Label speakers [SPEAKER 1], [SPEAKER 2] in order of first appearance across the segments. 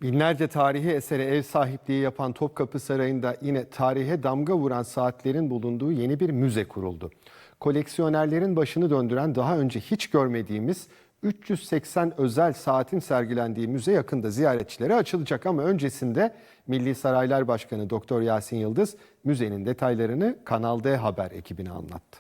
[SPEAKER 1] Binlerce tarihi esere ev sahipliği yapan Topkapı Sarayı'nda yine tarihe damga vuran saatlerin bulunduğu yeni bir müze kuruldu. Koleksiyonerlerin başını döndüren daha önce hiç görmediğimiz 380 özel saatin sergilendiği müze yakında ziyaretçilere açılacak ama öncesinde Milli Saraylar Başkanı Doktor Yasin Yıldız müzenin detaylarını Kanal D Haber ekibine anlattı.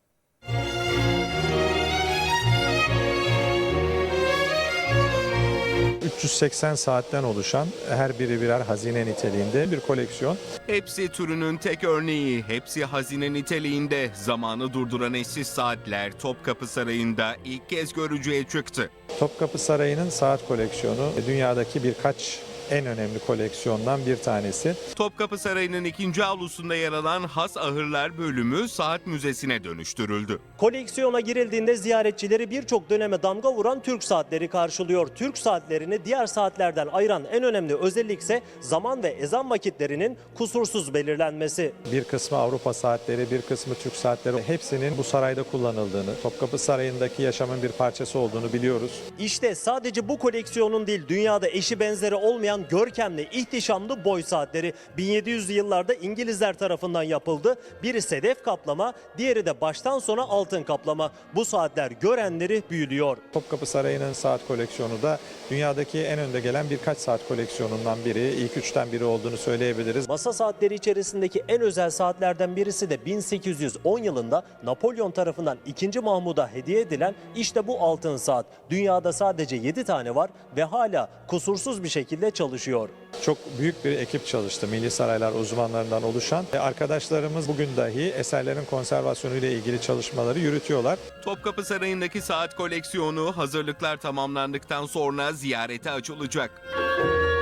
[SPEAKER 2] ...380 saatten oluşan her biri birer hazine niteliğinde bir koleksiyon.
[SPEAKER 3] Hepsi türünün tek örneği, hepsi hazine niteliğinde. Zamanı durduran eşsiz saatler Topkapı Sarayı'nda ilk kez görücüye çıktı.
[SPEAKER 2] Topkapı Sarayı'nın saat koleksiyonu dünyadaki birkaç en önemli koleksiyondan bir tanesi.
[SPEAKER 3] Topkapı Sarayı'nın ikinci avlusunda yer alan Has Ahırlar bölümü saat müzesine dönüştürüldü.
[SPEAKER 4] Koleksiyona girildiğinde ziyaretçileri birçok döneme damga vuran Türk saatleri karşılıyor. Türk saatlerini diğer saatlerden ayıran en önemli özellik ise zaman ve ezan vakitlerinin kusursuz belirlenmesi.
[SPEAKER 2] Bir kısmı Avrupa saatleri, bir kısmı Türk saatleri, hepsinin bu sarayda kullanıldığını, Topkapı Sarayı'ndaki yaşamın bir parçası olduğunu biliyoruz.
[SPEAKER 4] İşte sadece bu koleksiyonun değil, dünyada eşi benzeri olmayan görkemli, ihtişamlı boy saatleri 1700'lü yıllarda İngilizler tarafından yapıldı. Biri sedef kaplama, diğeri de baştan sona altın kaplama. Bu saatler görenleri büyülüyor.
[SPEAKER 2] Topkapı Sarayı'nın saat koleksiyonu da dünyadaki en önde gelen birkaç saat koleksiyonundan biri, ilk üçten biri olduğunu söyleyebiliriz.
[SPEAKER 4] Masa saatleri içerisindeki en özel saatlerden birisi de 1810 yılında Napolyon tarafından 2. Mahmud'a hediye edilen işte bu altın saat. Dünyada sadece 7 tane var ve hala kusursuz bir şekilde çalışıyor.
[SPEAKER 2] Çok büyük bir ekip çalıştı, Milli Saraylar uzmanlarından oluşan. Arkadaşlarımız bugün dahi eserlerin konservasyonu ile ilgili çalışmaları yürütüyorlar.
[SPEAKER 3] Topkapı Sarayı'ndaki saat koleksiyonu hazırlıklar tamamlandıktan sonra ziyarete açılacak.